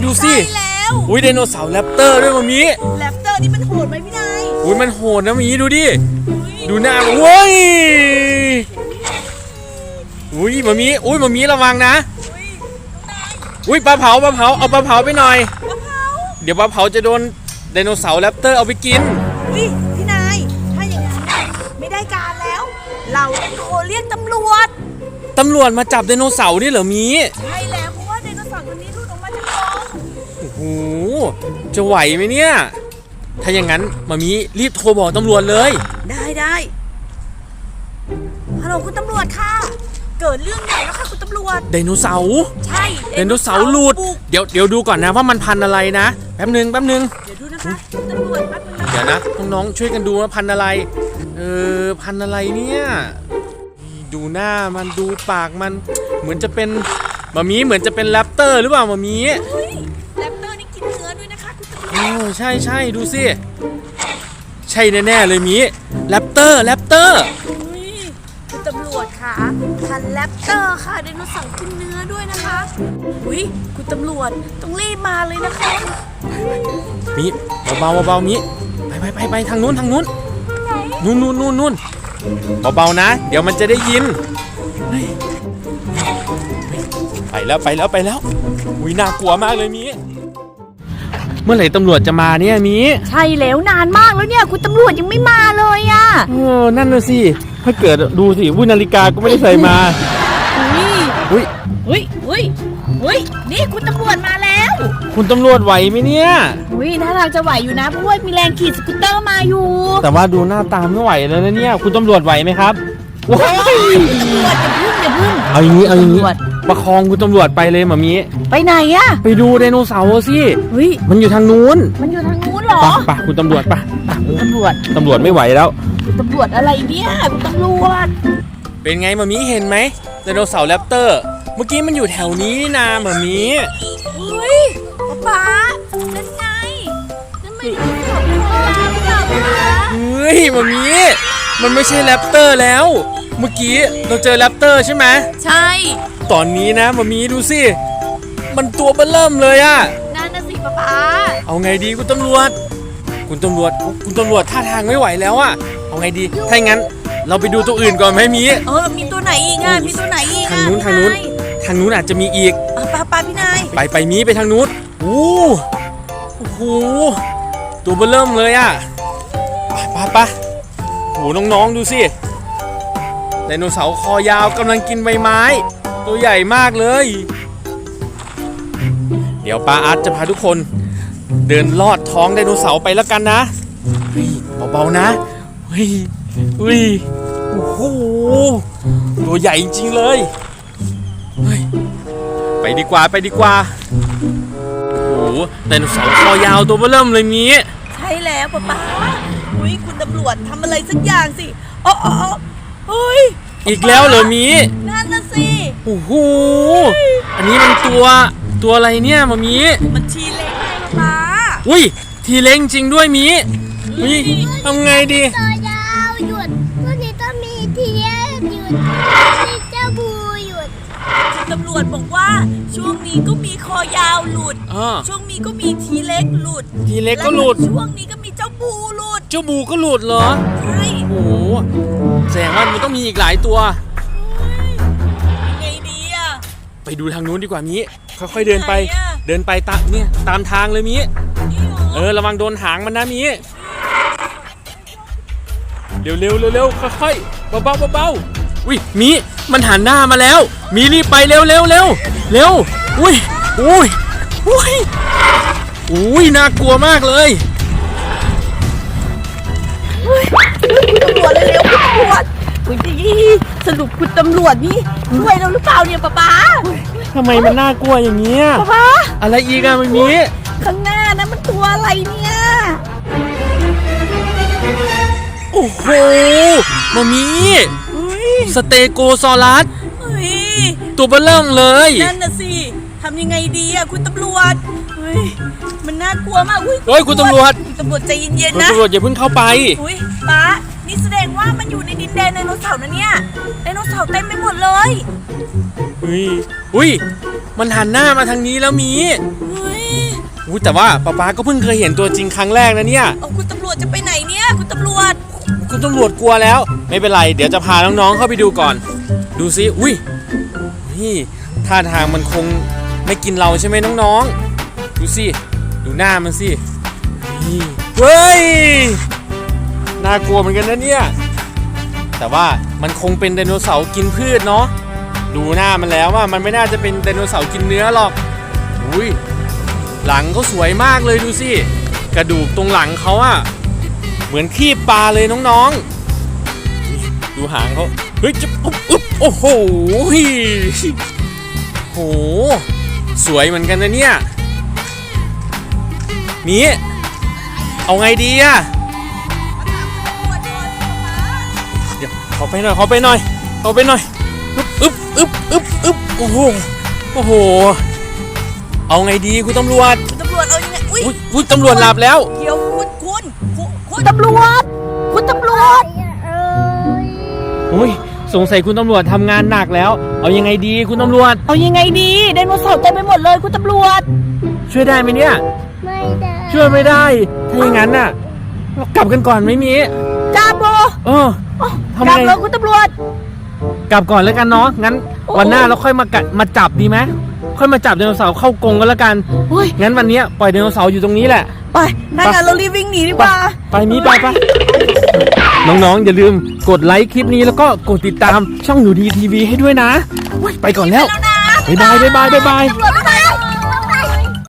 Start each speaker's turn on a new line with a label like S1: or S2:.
S1: ดูสิอุ้ยไดโนเสาร์แรปเตอร์ด้วยมามี
S2: แรปเตอร์นี่มันโหดไหมพี่นาย
S1: อุ้ยมันโหดนะมีดูดิดูหน้าเว้ยอุ้ยมามีระวังนะอุ้ยปลาเผาเอาปลาเผาไปหน่อยเดี๋ยวปลาเผาจะโดนไดโนเสาร์แรปเตอร์เอาไปกิน
S2: อุ้ยพี่นายถ้าอย่างนั้นไม่ได้การแล้วเราต้องโทรเรียกตำรวจ
S1: มาจับไดโนเสาร์นี่เหรอมี
S2: ใช่แล้วเพราะว่าไดโนเสาร์ตัวนี้หลุดออกมาจากกรง
S1: โอ้โหจะไหวไหมเนี่ยถ้าอย่างนั้นมามีรีบโทรบอกตำรวจเลย
S2: ได้ฮัลโหลคุณตำรวจค่ะเกิดเรื่องใหญ่แล้วค่ะคุณตำรวจ
S1: ไดโนเสาร์
S2: ใช่
S1: ไดโนเสาร์หลุดเดี๋ยวดูก่อนนะว่ามันพันอะไรนะแป๊บนึง
S2: เดี๋ยวดูนะคะคุณตำรวจแป๊บนึง
S1: เดี๋ยวนะน้องๆช่วยกันดูว่าพันอะไรพันอะไรเนี่ยดูหน้ามันดูปากมันเหมือนจะเป็นมามีเหมือนจะเป็นแรปเตอร์หรือเปล่ามามี
S2: แรปเตอร์นี่กินเนื้อด้วยนะคะคุณตำรวจ
S1: ใช่ดูสิใช่แน่ๆเลยมีแรปเตอร์
S2: คุณตำรวจค่ะพันแรปเตอร์ค่ะไดโนเสาร์กินเนื้อด้วยนะคะคุณตำรวจต้องรีบมาเลยนะคะ
S1: มีเบามีไปทางนู้นนู่นเบาๆนะเดี๋ยวมันจะได้ยินไปแล้วอุ้ยน่ากลัวมากเลยมีเมื่อไหร่ตำรวจจะมาเนี่ยมี
S2: ใช่แล้วนานมากแล้วเนี่ยคุณตำรวจยังไม่มาเลยอ่ะ
S1: นั่นน่ะสิถ้าเกิดดูสินาฬิกาก็ไม่ได้ใส่มา
S2: นี่คุณตำรวจมาแล้ว
S1: คุณตำรวจไหวไหมเนี่ย
S2: น่าทางจะไหวอยู่นะเพราะว่ามีแรงขี่สกูตเตอร์มาอยู่
S1: แต่ว่าดูหน้าตาไม่ไหวแล้วนะเนี่ยคุณตำรวจไหวไหมครับ
S2: คุณตำรวจอย่าพึ่ง
S1: เอาอย่างนี้ประคองคุณตำรวจไปเลยหมามี
S2: ไปไหนอะ
S1: ไปดูไดโนเสาร์สิมันอยู่ทางนู้น
S2: เหรอ
S1: ไปคุณตำรวจ
S2: ตำร
S1: วจไม่ไหวแล้ว
S2: ตำรวจอะไรเนี่ยคุณตำรวจ
S1: เป็นไงหมามีเห็นไหมไดโนเสาร์แรปเตอร์เมื่อกี้มันอยู่แถวนี้นี่นาหมามี
S2: ป๊านั่นไงนั่นไม่ใช่ของพี่ป๊าห
S1: มามีมันไม่ใช่แรปเตอร์แล้วเมื่อกี้เราเจอแรปเตอร์ใช่ไหม
S2: ใช่
S1: ตอนนี้นะมามีดูสิมันตัวเบ้อเริ่มเลยอะ
S2: นั่นน่ะสิป๊า
S1: เอาไงดีคุณตำรวจท่าทางไม่ไหวแล้วอะเอาไงดีถ้าอย่างนั้นเราไปดูตัวอื่นก่อนไหมมี
S2: มีตัวไหนอีกอ่ะ
S1: ทางนู้นอาจจะมีอีก
S2: ป้าพี่นาย
S1: ไปมีไปทางนู้นโอ้โหตัวเบ้อเริ่มเลยอะไปโอ้น้องๆดูสิไดโนเสาร์คอยาวกำลังกินใบไม้ตัวใหญ่มากเลยเดี๋ยวป้าอาร์ตจะพาทุกคนเดินลอดท้องไดโนเสาร์ไปแล้วกันนะเบาๆนะโอ้โหตัวใหญ่จริงเลยไปดีกว่าโอ้โหไดโนเสาร์คอยาวตัวเบ้อเริ่มเลยมี
S2: ใช่แล้วป้าคุณตำรวจทำอะไรสักอย่างสิ
S1: อีกแล้วเหรอมี
S2: นั่นน่ะสิ
S1: โอ้โหอันนี้มันตัวอะไรเนี่ยมามี
S2: มันทีเล็กไงป้า
S1: ทีเล็กจริงด้วยมีทำไงดี
S3: ตัวยาวหยุดตัวนี้ต้องมีทีเล็กหยุดมีเจ้าบูหยุด
S2: คุณตำรวจบอกว่าช่วงนี้ก็มีคอยาวหลุดช่วงนี้ก็มีทีเล็กหลุดช่วงนี้ก็มีเจ้าบูหลุด
S1: ก็หลุดเหรอ
S2: ใช่
S1: โอ้โหแสดงว่ามันต้องมีอีกหลายตัว
S2: ไงดีอะ
S1: ไปดูทางนู้นดีกว่ามีค่อยๆเดินไปตามทางเลยมีระวังโดนหางมันนะมีเร็วค่อยๆเบามีมันหันหน้ามาแล้วมีรีบไปเร็วน่ากลัวมากเลย
S2: ตำรวจเร็วคุณตำรวจสรุปคุณตำรวจนี่ช่วยเราหรือเปล่าเนี่ยป้า
S1: ทำไมมันน่ากลัวอย่างเงี้ย
S2: ป้า
S1: อะไรอีกอะมันมี
S2: ข้างหน้านะมันตัวอะไรเนี่ย
S1: โอ้โหมามีสเตโกซอรัสตัวเบ้อเริ่มเลย
S2: นั่นน่ะสิทำยังไงดีอะคุณตำรวจมันน่ากลัวมาก
S1: คุณตำรวจ
S2: ใจเย็นๆนะ
S1: คุณตำรวจอย่าเพิ่งเข้าไป
S2: ป้านี่แสดงว่ามันอยู่ในดินแดนไดโนเสาร์นะเนี่ยไดโนเสาร์เต็มไปหมดเลย
S1: มันหันหน้ามาทางนี้แล้วมีอุ้ยแต่ว่าป๊าก็เพิ่งเคยเห็นตัวจริงครั้งแรกนะเนี่ย
S2: เอาคุณตำรวจจะไปไหนเนี่ยคุณตำรวจ
S1: คุณตำรวจกลัวแล้วไม่เป็นไรเดี๋ยวจะพาน้องๆเข้าไปดูก่อนดูสิอุ้ยนี่ท่าทางมันคงไม่กินเราใช่ไหมน้องๆดูสิดูหน้ามันสินี่เฮ้ยน่ากลัวเหมือนกันนะเนี่ยแต่ว่ามันคงเป็นไดโนเสาร์กินพืชเนาะดูหน้ามันแล้วว่ามันไม่น่าจะเป็นไดโนเสาร์กินเนื้อหรอกอุ้ยหลังเขาสวยมากเลยดูสิกระดูกตรงหลังเขาอะเหมือนขี้ปลาเลยน้องๆดูหางเขาเฮ้ยจะอุ๊บโอ้โหโหสวยเหมือนกันนะเนี่ยมีเอาไงดีอะเดี๋ยวขอไปหน่อยอึบโอ้โหเอาไงดีคุณตำรวจ
S2: คุณตำรวจเอายังไง
S1: อุ้ยตำรวจหลับแล้ว
S2: เดี๋ยวคุณตำรวจคุณตำรวจ
S1: อุ้ยสงสัยคุณตำรวจทำงานหนักแล้วเอายังไงดีคุณตำรวจ
S2: เอายังไงดีไดโนเสาร์เต็มไปหมดเลยคุณตำรวจ
S1: ช่วยได้ไหมเนี่ย
S3: ไม่ได้
S1: ช่วยไม่ได้ถ้าอย่างนั้นน่ะเรากลับกันก่อนไม่มี
S2: จ้าโบ
S1: ทำ
S2: กลับ
S1: ไง
S2: แล้วคุณตำรวจ
S1: กลับก่อนแล้วกันเนาะงั้นวันหน้าเราค่อยมาจับดีไหมค่อยมาจับไดโนเสาร์เข้ากรงกันแล้วกัน
S2: อุ้ย
S1: งั้นวันนี้ปล่อยไดโนเสาร์อยู่ตรงนี้แหละ
S2: ไปถ้างั้นเรารีบวิ่งหนีดีกว่า
S1: ไปน้องๆอย่าลืมกดไลค์คลิปนี้แล้วก็กดติดตามช่องหนูดีทีวีให้ด้วยนะไปก่อนแล้ว
S2: แล้วนะ
S1: บ๊ายบาย
S2: ตำรวจบ๊ายบาย